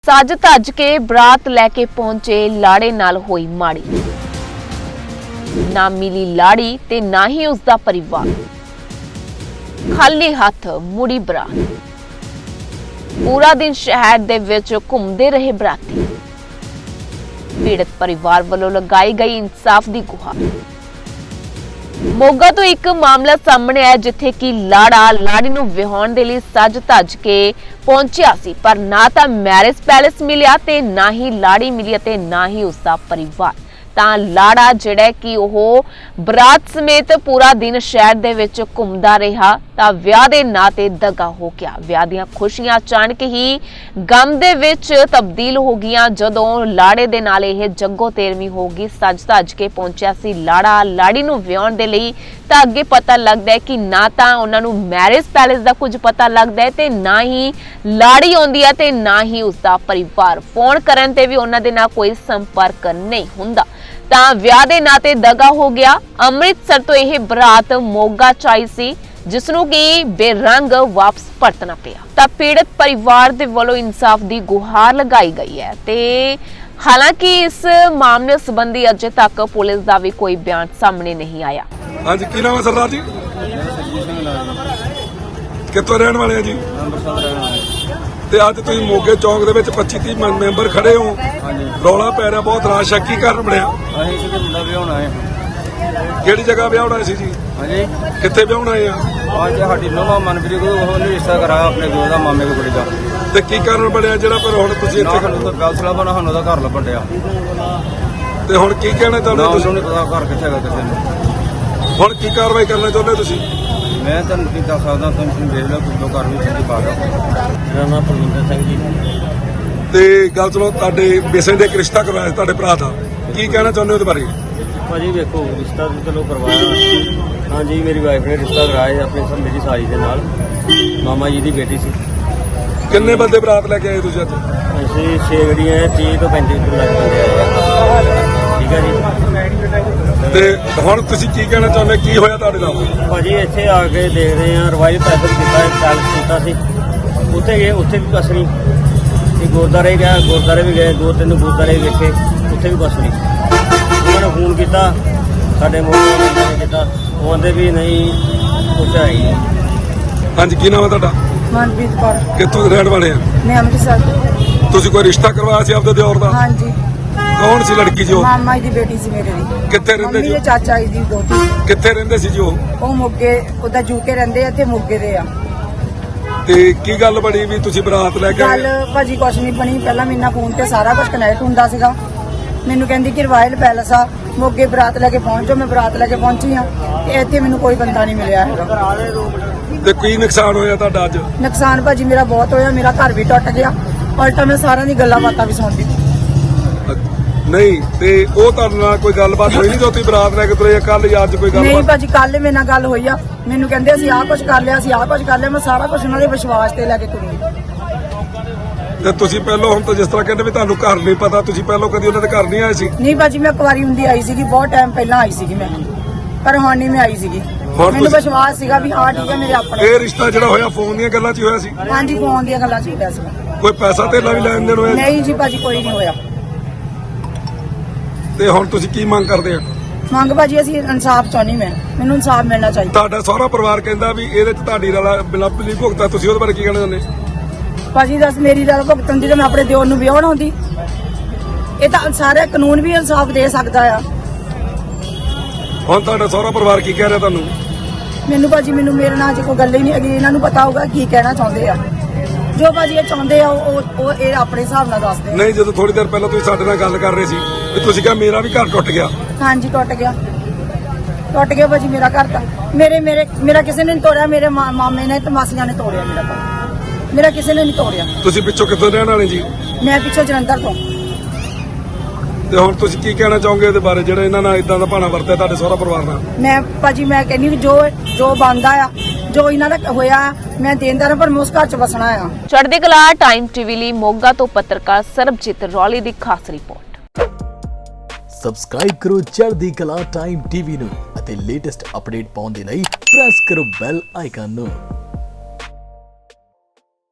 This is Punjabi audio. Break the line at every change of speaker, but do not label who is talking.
सज धज के बरात लैके पहुंचे लाड़े नाल होई माड़ी। ना मिली लाड़ी ते ना ही उसका परिवार। खाली हथ मुड़ी बरात। पूरा दिन शहर दे विच घूमदे रहे बराती। पीड़ित परिवार वालों लगाई गई इंसाफ दी गुहार। मोगा तो एक मामला सामने आया जिथे कि लाड़ा लाड़ी नूं विहाउण दे लई सज धज के पहुंचिया सी, पर ना तां मैरिज पैलेस मिलिया ते ना ही लाड़ी मिली ते ना ही उसका परिवार। तां लाड़ा जिहड़ा कि ओह बरात समेत पूरा दिन शहर दे विच घुमदा रहा तां विआह दे नां ते दगा हो गया। विआह दीआं खुशियां अचानक ही गम दे विच तब्दील हो गईयां जदों लाड़े दे नाल इह जग्गो तेरवीं हो गई। सज धज के पहुंचिया सी लाड़ा लाड़ी नूं विआउण दे लई तां अगे पता लगदा है कि ना तां उन्हां नूं मैरिज पैलेस दा कुछ पता लगदा है ते ना ही लाड़ी आउंदी है ते ना ही उसका परिवार। फोन करन ते भी उन्हां दे नाल कोई संपर्क नहीं हुंदा। ਤਾਂ ਵਿਆਹ ਦੇ ਨਾਂ ਤੇ ਦਗਾ ਹੋ ਗਿਆ। ਅੰਮ੍ਰਿਤਸਰ ਤੋਂ ਇਹ ਬਰਾਤ ਮੋਗਾ ਚ ਆਈ ਸੀ ਜਿਸ ਨੂੰ ਕਿ ਬੇਰੰਗ ਵਾਪਸ ਪਰਤਣਾ ਪਿਆ। ਤਾਂ ਪੀੜਤ ਪਰਿਵਾਰ ਦੇ ਵੱਲੋਂ ਇਨਸਾਫ ਦੀ ਗੁਹਾਰ ਲਗਾਈ ਗਈ ਹੈ ਤੇ ਹਾਲਾਂਕਿ ਇਸ ਮਾਮਲੇ ਸੰਬੰਧੀ ਅਜੇ ਤੱਕ ਪੁਲਿਸ ਦਾ ਵੀ ਕੋਈ ਬਿਆਨ ਸਾਹਮਣੇ ਨਹੀਂ ਆਇਆ।
ਹਾਂਜੀ, ਕੀ ਨਾਮ ਹੈ ਸਰਦਾਰ ਜੀ? ਕਿੱਥੋਂ ਰਹਿਣ ਵਾਲੇ ਆ ਜੀ? ਤੇ ਅੱਜ ਤੁਸੀਂ ਮੋਗੇ ਚੌਂਕ ਦੇ ਵਿੱਚ 25-30 ਮੈਂਬਰ ਖੜੇ ਹੋ। ਰੌਲਾ ਪੈ ਰਿਹਾ ਬਹੁਤ, ਰਾਸ਼ ਹੈ, ਕੀ ਕਾਰਨ ਬਣਿਆ?
ਅਸੀਂ ਕਿਤੇ ਮੁੰਡਾ ਵਿਆਹੁਣਾ ਹੈ।
ਕਿਹੜੀ ਜਗ੍ਹਾ ਵਿਆਹੁਣਾ ਸੀ ਜੀ?
ਹਾਂਜੀ,
ਕਿੱਥੇ ਵਿਆਹੁਣਾ ਹੈ?
ਅੱਜ ਸਾਡੀ ਨਵਾਂ ਮਨਪ੍ਰੀਤ ਕੋਲ ਉਹਨੇ ਰਿਸ਼ਤਾ ਕਰਾਇਆ ਆਪਣੇ ਦੋ ਦਾ ਮਾਮੇ ਦੀ ਕੁੜੀ ਦਾ।
ਤੇ ਕੀ ਕਾਰਨ ਬਣਿਆ ਜਿਹੜਾ ਪਰ ਹੁਣ ਤੁਸੀਂ ਇੱਥੇ
ਸਾਨੂੰ ਤਾਂ ਫੈਸਲਾ ਬਣਾ, ਸਾਨੂੰ ਉਹਦਾ ਘਰ ਲੱਭਣ ਡਿਆ।
ਤੇ ਹੁਣ ਕੀ ਕਹਿਣਾ ਚਾਹੁੰਦੇ
ਨਾ
ਤੁਸੀਂ?
ਉਹਨੂੰ ਨਹੀਂ ਪਤਾ ਘਰ ਕਿੱਥੇ ਹੈਗਾ ਕਿਸੇ ਨੂੰ।
ਹੁਣ ਕੀ ਕਾਰਵਾਈ ਕਰਨਾ ਚਾਹੁੰਦੇ ਤੁਸੀਂ?
ਮੈਂ ਤੁਹਾਨੂੰ ਕੀ ਦੱਸ ਸਕਦਾ, ਤੁਸੀਂ ਦੇਖ ਲਓ ਕਿਦੋਂ ਘਰ ਵਿੱਚ ਚੰਗੀ ਪਾ ਗਿਆ। ਮੇਰਾ ਨਾਮ ਪਰਮਿੰਦਰ ਸਿੰਘ ਜੀ।
ਤੇ ਗੱਲ ਸੁਣੋ, ਤੁਹਾਡੇ ਬੇਸਨ ਦੇ ਇੱਕ ਰਿਸ਼ਤਾ ਕਰਵਾਇਆ ਸੀ ਤੁਹਾਡੇ ਭਰਾ ਦਾ, ਕੀ ਕਹਿਣਾ ਚਾਹੁੰਦੇ ਹੋ ਉਹਦੇ ਬਾਰੇ?
ਭਾਜੀ ਵੇਖੋ, ਰਿਸ਼ਤਾ ਤਾਂ ਚਲੋ ਕਰਵਾਇਆ। ਹਾਂਜੀ, ਮੇਰੀ ਵਾਈਫ ਨੇ ਰਿਸ਼ਤਾ ਕਰਾਇਆ ਆਪਣੀ ਮੇਰੀ ਸਾਲੀ ਦੇ ਨਾਲ, ਮਾਮਾ ਜੀ ਦੀ ਬੇਟੀ ਸੀ।
ਕਿੰਨੇ ਬੰਦੇ ਬਰਾਤ ਲੈ ਕੇ ਆਏ ਤੁਸੀਂ ਅੱਜ?
ਅਸੀਂ 6 ਗੱਡੀਆਂ 30 ਤੋਂ 35 ਲੱਖ ਬੰਦੇ ਆਏ। ਠੀਕ ਹੈ ਜੀ।
ਤੇ ਹੁਣ ਤੁਸੀਂ ਕੀ ਕਹਿਣਾ ਚਾਹੁੰਦੇ, ਕੀ ਹੋਇਆ ਤੁਹਾਡੇ ਨਾਲ?
ਭਾਜੀ ਇੱਥੇ ਆ ਕੇ ਦੇਖਦੇ ਆ, ਰਵਾਇਲ ਪੈਦਲ ਕੀਤਾ, ਪੈਲਸ ਕੀਤਾ ਸੀ, ਉੱਥੇ ਗਏ, ਉੱਥੇ ਵੀ ਕੁਛ ਨਹੀਂ। ਤੇ ਗੁਰਦੁਆਰੇ ਗਿਆ, ਗੁਰਦੁਆਰੇ ਵੀ ਗਏ, 2-3 ਗੁਰਦੁਆਰੇ ਵੇਖੇ, ਉੱਥੇ ਵੀ ਕੁਛ ਨਹੀਂ। ਉਹਨਾਂ ਨੇ ਫੋਨ ਕੀਤਾ, ਸਾਡੇ ਮੋਬਾਈਲ ਨੇ ਕੀਤਾ, ਉਹ ਕਹਿੰਦੇ ਵੀ ਨਹੀਂ ਕੁਛ ਹੈ ਹੀ ਨਹੀਂ।
ਹਾਂਜੀ, ਕੀ ਨਾਮ ਹੈ ਤੁਹਾਡਾ?
ਮਨਪ੍ਰੀਤ ਕੌਰ।
ਕਿੱਥੋਂ ਦੇ ਰਹਿਣ ਵਾਲੇ ਆ?
ਮੈਂ ਅੰਮ੍ਰਿਤਸਰ ਤੋਂ।
ਤੁਸੀਂ ਕੋਈ ਰਿਸ਼ਤਾ ਕਰਵਾਇਆ ਸੀ ਆਪਦੇ ਦਿਓਰ ਦਾ?
ਹਾਂਜੀ,
ਕੌਣ ਸੀ ਲੜਕੀ ਜੀ ਉਹ?
ਮਾਮਾ ਜੀ ਦੀ ਬੇਟੀ ਸੀ ਮੇਰੇ ਦੀ।
ਕਿੱਥੇ ਰਹਿੰਦੇ
ਮੰਮੀ
ਜੀ?
ਦੇ ਚਾਚਾ ਜੀ ਦੀ ਦੋਤੀ।
ਕਿੱਥੇ ਰਹਿੰਦੇ ਸੀ ਜੀ ਉਹ?
ਉਹ ਮੋਗੇ, ਉਹਦਾ ਜੂਕੇ ਰਹਿੰਦੇ ਆ, ਇੱਥੇ ਮੋਗੇ ਦੇ ਆ।
ਤੇ ਕੀ ਗੱਲ ਬਣੀ ਵੀ ਤੁਸੀਂ ਬਰਾਤ ਲੈ ਕੇ
ਗੱਲ
ਆਏ?
ਭਾਜੀ ਕੁਛ ਨਹੀਂ ਬਣੀ। ਪਹਿਲਾਂ ਮੇਰੇ ਨਾਲ ਫੋਨ ਤੇ ਸਾਰਾ ਕੁਝ ਕਨੈਕਟ ਹੁੰਦਾ ਸੀਗਾ। ਮੈਨੂੰ ਕਹਿੰਦੀ ਕਿ ਰਵਾਇਲ ਪੈਲਸ ਆ ਮੋਗੇ, ਬਰਾਤ ਲੈ ਕੇ ਪਹੁੰਚੋ। ਮੈਂ ਬਰਾਤ ਲੈ ਕੇ ਪਹੁੰਚੀ ਆ ਤੇ ਇੱਥੇ ਮੈਨੂੰ ਕੋਈ ਬੰਦਾ ਨਹੀਂ ਮਿਲਿਆ ਹੈਗਾ।
ਤੇ ਕੀ ਨੁਕਸਾਨ ਹੋਇਆ ਤੁਹਾਡਾ ਅੱਜ?
ਨੁਕਸਾਨ ਭਾਜੀ ਮੇਰਾ ਬਹੁਤ ਹੋਇਆ। ਮੇਰਾ ਘਰ ਵੀ ਟੁੱਟ ਗਿਆ। ਉਲਟਾ ਮੈਂ ਸਾਰਿਆਂ ਦੀ ਗੱਲਾਂ ਬਾਤਾਂ ਵੀ ਸੁਣਦੀ।
ਨਹੀਂ, ਤੇ ਉਹ ਤੁਹਾਡੇ ਨਾਲ ਕੋਈ ਗੱਲਬਾਤ ਹੋਈ ਨਹੀਂ ਜੋ ਤੁਸੀਂ ਬਰਾਤ ਲੈ ਕੇ ਤੁਰੇ? ਕੱਲ ਜਾਂ ਅੱਜ ਕੋਈ
ਨਹੀਂ
ਗੱਲਬਾਤ?
ਭਾਜੀ, ਕੱਲ ਮੇਰੇ ਨਾਲ ਗੱਲ ਹੋਈ ਆ। ਮੈਨੂੰ ਕਹਿੰਦੇ ਅਸੀਂ ਆਹ ਕੁਝ ਕਰ ਲਿਆ, ਅਸੀਂ ਆਹ ਕੁਝ ਕਰ ਲਿਆ। ਮੈਂ ਸਾਰਾ ਕੁਝ ਉਹਨਾਂ ਦੇ ਵਿਸ਼ਵਾਸ ਤੇ ਲੈ ਕੇ ਤੁਰੀ।
ਤੇ ਤੁਸੀਂ ਪਹਿਲਾਂ, ਹੁਣ ਤਾਂ ਜਿਸ ਤਰ੍ਹਾਂ ਕਹਿੰਦੇ ਵੀ ਤੁਹਾਨੂੰ ਘਰ ਨਹੀਂ ਪਤਾ, ਤੁਸੀਂ ਪਹਿਲਾਂ ਕਦੀ ਉਹਨਾਂ ਦੇ ਘਰ ਨਹੀਂ ਆਏ ਸੀ?
ਨਹੀਂ ਭਾਜੀ, ਮੈਂ ਕੁਵਾਰੀ ਹੁੰਦੀ ਆਈ ਸੀਗੀ, ਬਹੁਤ ਟਾਈਮ ਪਹਿਲਾਂ ਆਈ ਸੀਗੀ ਮੈਂ, ਪਰ ਹੁਣ ਨਹੀਂ ਮੈਂ ਆਈ ਸੀਗੀ।
ਹੁਣ
ਮੈਨੂੰ
ਤੁਸੀਂ-
ਵਿਸ਼ਵਾਸ ਸੀਗਾ ਵੀ ਹਾਂ ਠੀਕ ਹੈ ਮੇਰੇ ਆਪਣੇ।
ਇਹ ਰਿਸ਼ਤਾ ਜਿਹੜਾ ਹੋਇਆ ਫੋਨ ਦੀਆਂ ਗੱਲਾਂ 'ਚ ਹੀ ਹੋਇਆ ਸੀ?
ਹਾਂਜੀ, ਫੋਨ ਦੀਆਂ ਗੱਲਾਂ ਚ ਹੀ ਹੋਇਆ ਸੀਗਾ।
ਕੋਈ ਪੈਸਾ ਧੇਲਾ ਵੀ ਲੈਣ ਦੇਣ ਹੋਇਆ?
ਨਹੀਂ ਜੀ ਭਾਜੀ, ਕੋਈ ਨਹੀਂ ਹੋਇਆ।
ਤੇ ਹੁਣ ਤੁਸੀਂ ਕੀ ਮੰਗ ਕਰਦੇ ਆ?
ਮੰਗ ਭਾਜੀ ਅਸੀਂ ਇਨਸਾਫ ਚਾਹੁੰਦੀ। ਮੈਨੂੰ ਇਨਸਾਫ ਮਿਲਣਾ ਚਾਹੀਦਾ।
ਤੁਹਾਡਾ ਸਹੁਰਾ ਪਰਿਵਾਰ ਕਹਿੰਦਾ ਵੀ ਇਹਦੇ 'ਚ ਤੁਹਾਡੀ ਰਲਾ ਬਿਲਾਪਲੀ ਭੁਗਤਾ, ਤੁਸੀਂ ਉਹਦੇ ਬਾਰੇ ਕੀ ਕਹਿਣਾ ਚਾਹੁੰਦੇ?
ਭਾਜੀ ਦੱਸ, ਮੇਰੀ ਗੱਲ ਭੁਗਤਣ ਦੀ ਤਾਂ ਮੈਂ ਆਪਣੇ ਦਿਓਰ ਨੂੰ ਵਿਆਹਣ ਆਉਂਦੀ। ਇਹ ਤਾਂ ਸਾਰੇ ਕਾਨੂੰਨ ਵੀ ਇਨਸਾਫ ਦੇ ਸਕਦਾ ਆ।
ਹੁਣ ਤੁਹਾਡਾ ਸਹੁਰਾ ਪਰਿਵਾਰ ਕੀ ਕਹਿ ਰਿਹਾ ਤੁਹਾਨੂੰ?
ਮੈਨੂੰ ਭਾਜੀ, ਮੈਨੂੰ ਮੇਰੇ ਨਾਲ ਜੇ ਕੋਈ ਗੱਲ ਹੀ ਨਹੀਂ ਹੈਗੀ। ਇਹਨਾਂ ਨੂੰ ਪਤਾ ਹੋਊਗਾ ਕੀ ਕਹਿਣਾ ਚਾਹੁੰਦੇ ਆ। ਜੋ ਭਾਜੀ ਇਹ ਚਾਹੁੰਦੇ ਆ ਉਹ ਇਹ ਆਪਣੇ ਹਿਸਾਬ ਨਾਲ ਦੱਸਦੇ ਆ।
ਨਹੀਂ, ਜਦੋਂ ਥੋੜੀ ਦੇਰ ਪਹਿਲਾਂ ਤੁਸੀਂ ਸਾਡੇ ਨਾਲ ਗੱਲ ਕਰ ਰਹੇ ਸੀ ਵੀ ਤੁਸੀਂ ਕਿਹਾ ਮੇਰਾ ਵੀ ਘਰ ਟੁੱਟ ਗਿਆ।
ਹਾਂਜੀ, ਟੁੱਟ ਗਿਆ ਭਾਜੀ ਮੇਰਾ ਘਰ ਤਾਂ। ਮੇਰਾ ਕਿਸੇ ਨੇ ਨਹੀਂ ਤੋੜਿਆ। ਮੇਰੇ ਮਾਮੇ ਨੇ ਤੇ ਮਾਸੀਆਂ ਨੇ ਤੋੜਿਆ ਮੇਰਾ ਘਰ। ਮੇਰਾ ਕਿਸੇ ਨੇ ਨਹੀਂ ਤੋੜਿਆ।
ਤੁਸੀਂ ਪਿੱਛੋਂ ਕਿੱਥੋਂ ਰਹਿਣ ਵਾਲੇ ਜੀ?
ਮੈਂ ਪਿੱਛੋਂ ਜਲੰਧਰ ਤੋਂ।
ਤੇ ਹੁਣ ਤੁਸੀਂ ਕੀ ਕਹਿਣਾ ਚਾਹੋਗੇ ਇਹਦੇ ਬਾਰੇ, ਜਿਹੜਾ ਇਹਨਾਂ ਨਾਲ ਇਦਾਂ ਦਾ ਭਾਣਾ ਵਰਤਿਆ ਤੁਹਾਡੇ ਸਹੁਰਾ ਪਰਿਵਾਰ ਨਾਲ?
ਮੈਂ ਭਾਜੀ ਮੈਂ ਕਹਿੰਦੀ ਵੀ ਜੋ ਬਣਦਾ ਆ, ਜੋ ਇਹਨਾਂ ਦਾ ਹੋਇਆ, ਮੈਂ ਦੇਣਦਾਰ ਪਰ ਮੈਂ ਉਸ ਘਰ ਚ ਵਸਣਾ ਆ।
ਚੜ੍ਹਦੀ ਕਲਾ ਟਾਈਮ ਟੀਵੀ ਲਈ ਮੋਗਾ ਤੋਂ ਪੱਤਰਕਾਰ ਸਰਬਜੀਤ ਰੌਲੀ ਦੀ ਖਾਸ ਰਿਪੋਰਟ।
ਸਬਸਕ੍ਰਾਈਬ ਕਰੋ ਚੜ੍ਹਦੀ ਕਲਾ ਟਾਈਮ ਟੀਵੀ ਨੂੰ ਅਤੇ ਲੇਟੈਸਟ ਅਪਡੇਟ ਪਾਉਣ ਦੇ ਲਈ ਪ੍ਰੈਸ ਕਰੋ ਬੈਲ ਆਈਕਨ ਨੂੰ।